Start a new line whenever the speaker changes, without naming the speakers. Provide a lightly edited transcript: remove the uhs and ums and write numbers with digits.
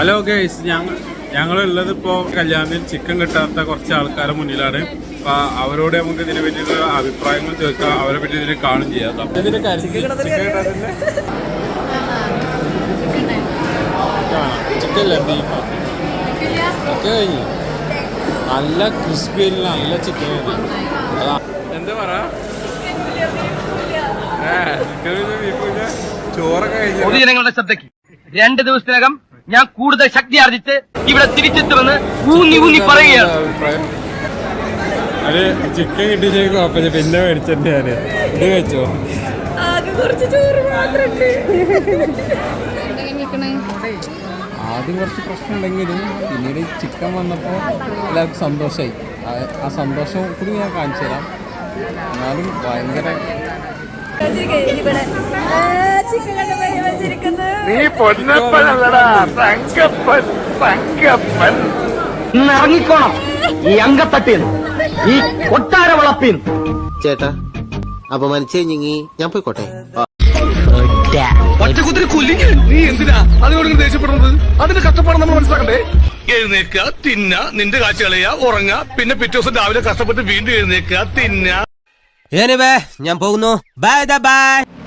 Hello guys, ഞങ്ങളുള്ളത് ഇപ്പോൾ കല്യാണത്തിൽ chicken കിട്ടാത്ത കുറച്ച് ആൾക്കാരുടെ മുന്നിലാണ്. അപ്പോൾ അവരോട് നമുക്ക് ഇതിനെ പറ്റിയുള്ള അഭിപ്രായങ്ങൾ ചോദിക്കാം, അവരെ പറ്റി ഇതിൽ കാണും ചെയ്യാം. ഇതിന്റെ ചിക്കൻ ബീഫ് കഴിഞ്ഞു, നല്ല ക്രിസ്പി, നല്ല ചിക്കൻ. എന്താ പറയാ, ചോറൊക്കെ കഴിഞ്ഞു.
പൊതുജനങ്ങളുടെ ശ്രദ്ധയ്ക്ക് 2 ദിവസത്തിനകം ഞാൻ കൂടുതൽ ശക്തി ആർജിച്ച് ഇവിടെ തിരിച്ചെത്തുമെന്ന് ഊന്നി പറയുകയാണ്.
അത് ചിക്കൻ കിട്ടിയ കുഴപ്പമില്ല, പിന്നെ മേടിച്ചിട്ട് ഞാൻ ഇത് വെച്ചോ. ആദ്യം കുറച്ച് പ്രശ്നം ഉണ്ടെങ്കിലും പിന്നീട് ചിക്കൻ വന്നപ്പോൾ എല്ലാവർക്കും സന്തോഷമായി. ആ സന്തോഷം കൂടി ഞാൻ കാണിച്ചു തരാം. എന്നാലും ഭയങ്കര
ഇറങ്ങിക്കോണം ഈ അങ്കത്തട്ടിൽ, ഈ കൊട്ടാര വളപ്പിൽ.
ചേട്ടാ അപമാനിച്ചേ ഞങ്ങി, ഞാൻ പോയിക്കോട്ടെ.
ഒറ്റക്കുത്തിരി കൊല്ലിങ്ങ, നീ എന്തിനാ അതിനോട് ദേഷ്യപ്പെടുന്നത്? അതിന്റെ കഷ്ടപ്പാട് നമ്മൾ മനസ്സിലാക്കണ്ടേ? എഴുന്നേക്കുക, തിന്ന, നിന്റെ കാഴ്ച കളയുക, ഉറങ്ങുക, പിന്നെ പിറ്റേ ദിവസം രാവിലെ കഷ്ടപ്പെട്ട് വീണ്ടും എഴുന്നേക്കുക, തിന്ന.
ഞാൻ പോകുന്നു. Bye by.